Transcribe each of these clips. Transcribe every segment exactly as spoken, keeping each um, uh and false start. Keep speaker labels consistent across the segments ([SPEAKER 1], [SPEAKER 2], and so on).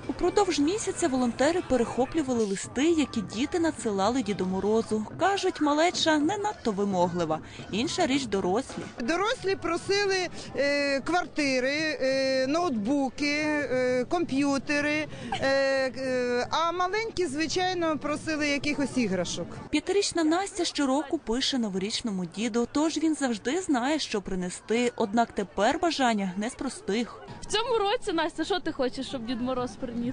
[SPEAKER 1] Упродовж місяця волонтери перехоплювали листи, які діти надсилали Діду Морозу. Кажуть, малеча не надто вимоглива. Інша річ – дорослі.
[SPEAKER 2] Дорослі просили е, квартири, е, ноутбуки, е, комп'ютери, е, е, а маленькі, звичайно, просили якихось іграшок.
[SPEAKER 1] П'ятирічна Настя щороку пише новорічному діду, тож він завжди знає, що принести. Однак тепер бажання не з простих.
[SPEAKER 3] В цьому році, Настя, що ти хочеш, щоб Дід Мороз приніс?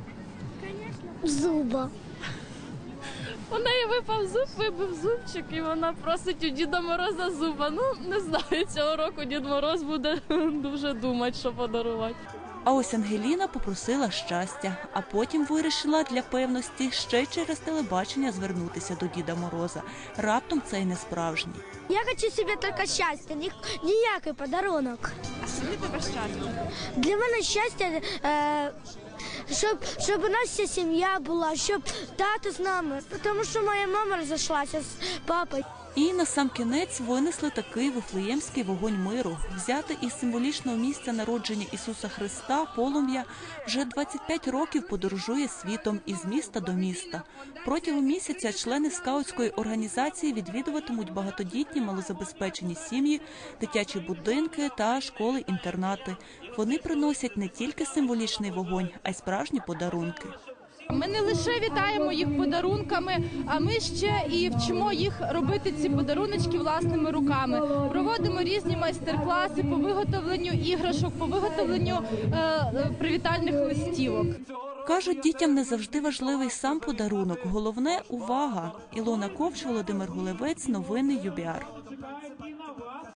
[SPEAKER 4] Зуба.
[SPEAKER 3] У неї випав зуб, вибив зубчик, і вона просить у Діда Мороза зуба. Ну, не знаю, цього року Дід Мороз буде дуже думати, що подарувати.
[SPEAKER 1] А ось Ангеліна попросила щастя, а потім вирішила для певності ще через телебачення звернутися до Діда Мороза. Раптом це й не справжній.
[SPEAKER 4] Я хочу собі тільки щастя, ні, ніякий подарунок.
[SPEAKER 5] А що для тебе щастя?
[SPEAKER 4] Для мене щастя, е, щоб, щоб у нас вся сім'я була, щоб тато з нами, тому що моя мама розійшлася з папою.
[SPEAKER 1] І насамкінець винесли такий вифлеємський вогонь миру. Взяти із символічного місця народження Ісуса Христа полум'я вже двадцять п'ять років подорожує світом із міста до міста. Протягом місяця члени скаутської організації відвідуватимуть багатодітні малозабезпечені сім'ї, дитячі будинки та школи-інтернати. Вони приносять не тільки символічний вогонь, а й справжні подарунки.
[SPEAKER 6] Ми не лише вітаємо їх подарунками, а ми ще і вчимо їх робити ці подаруночки власними руками. Проводимо різні майстер-класи по виготовленню іграшок, по виготовленню е, привітальних листівок.
[SPEAKER 1] Кажуть, дітям не завжди важливий сам подарунок. Головне – увага. Ілона Ковч, Володимир Гулевець, новини ю бі ар.